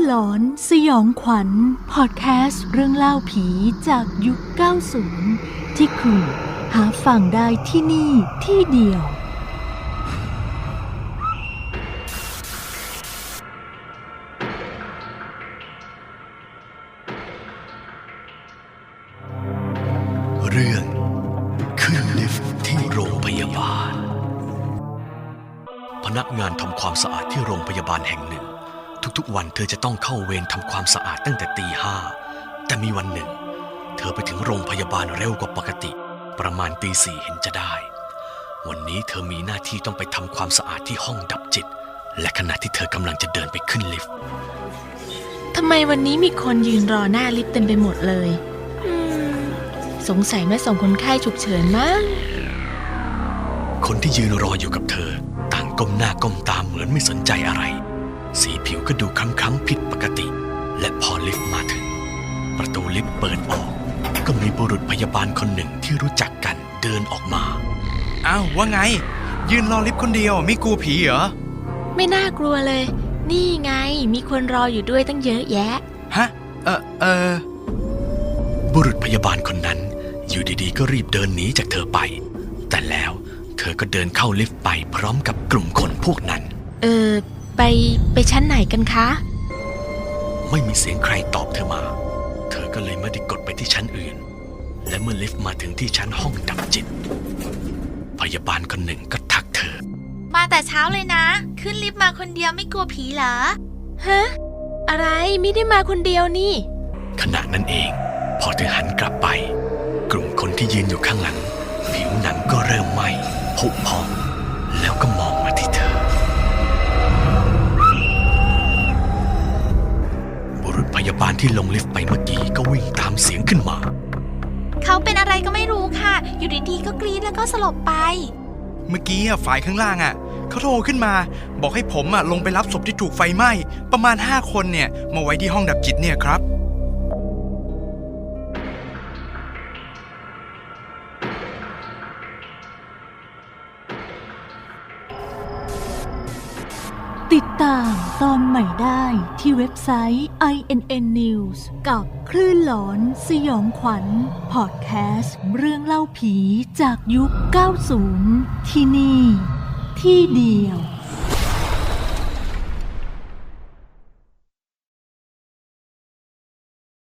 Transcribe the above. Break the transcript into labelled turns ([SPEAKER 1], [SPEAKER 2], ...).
[SPEAKER 1] หลอนสยองขวัญพอดแคสต์เรื่องเล่าผีจากยุค 90 ที่คุณหาฟังได้ที่นี่ที่เดียว
[SPEAKER 2] เรื่องขึ้นลิฟต์ที่โรงพยาบาลพนักงานทำความสะอาดที่โรงพยาบาลแห่งหนึ่งทุกๆวันเธอจะต้องเข้าเวรทำความสะอาดตั้งแต่ตี 5แต่มีวันหนึ่งเธอไปถึงโรงพยาบาลเร็วกว่าปกติประมาณตี 4เห็นจะได้วันนี้เธอมีหน้าที่ต้องไปทำความสะอาดที่ห้องดับจิตและขณะที่เธอกำลังจะเดินไปขึ้นลิฟต์
[SPEAKER 1] ทำไมวันนี้มีคนยืนรอหน้าลิฟต์เต็มไปหมดเลยสงสัยแม่ส่งคนไข้ฉุกเฉินมั้ง
[SPEAKER 2] คนที่ยืนรออยู่กับเธอต่างก้มหน้าก้มตาเหมือนไม่สนใจอะไรสีผิวก็ดูคล้ำๆผิดปกติและพอลิฟต์มาถึงประตูลิฟต์เปิดออกก็มีบุรุษพยาบาลคนหนึ่งที่รู้จักกันเดินออกมา
[SPEAKER 3] อ้าวว่าไงยืนรอลิฟต์คนเดียวไม่กลัวผีเหรอ
[SPEAKER 1] ไม่น่ากลัวเลยนี่ไงมีคนรออยู่ด้วยตั้งเยอะแยะ
[SPEAKER 3] ฮะ
[SPEAKER 2] บุรุษพยาบาลคนนั้นอยู่ดีๆก็รีบเดินหนีจากเธอไปแต่แล้วเธอก็เดินเข้าลิฟต์ไปพร้อมกับกลุ่มคนพวกนั้น
[SPEAKER 1] ไปชั้นไหนกันคะ
[SPEAKER 2] ไม่มีเสียงใครตอบเธอมาเธอก็เลยไม่ได้กดไปที่ชั้นอื่นและเมื่อลิฟต์มาถึงที่ชั้นห้องดับจิตพยาบาลคนหนึ่งก็ทักเธอ
[SPEAKER 4] มาแต่เช้าเลยนะขึ้นลิฟต์มาคนเดียวไม่กลัวผีเหรอ
[SPEAKER 1] ฮะอะไรไม่ได้มาคนเดียวนี่
[SPEAKER 2] ขณะนั้นเองพอเธอหันกลับไปกลุ่มคนที่ยืนอยู่ข้างหลังผิวหนังก็เริ่มไหม้ผุพองแล้วก็มองมาที่เธอบุรุษพยาบาลที่ลงลิฟต์ไปเมื่อกี้ก็วิ่งตามเสียงขึ้นมา
[SPEAKER 4] เขาเป็นอะไรก็ไม่รู้ค่ะอยู่ดีๆก็กรี๊ดแล้วก็สลบไป
[SPEAKER 3] เมื่อกี้ฝ่ายข้างล่างเขาโทรขึ้นมาบอกให้ผมลงไปรับศพที่ถูกไฟไหม้ประมาณ5คนเนี่ยมาไว้ที่ห้องดับจิตเนี่ยครับ
[SPEAKER 1] ติดตามตอนใหม่ได้ที่เว็บไซต์ INN News กับคลื่นหลอนสยองขวัญพอดแคสต์เรื่องเล่าผีจากยุค 90 ที่นี่ที่เดียว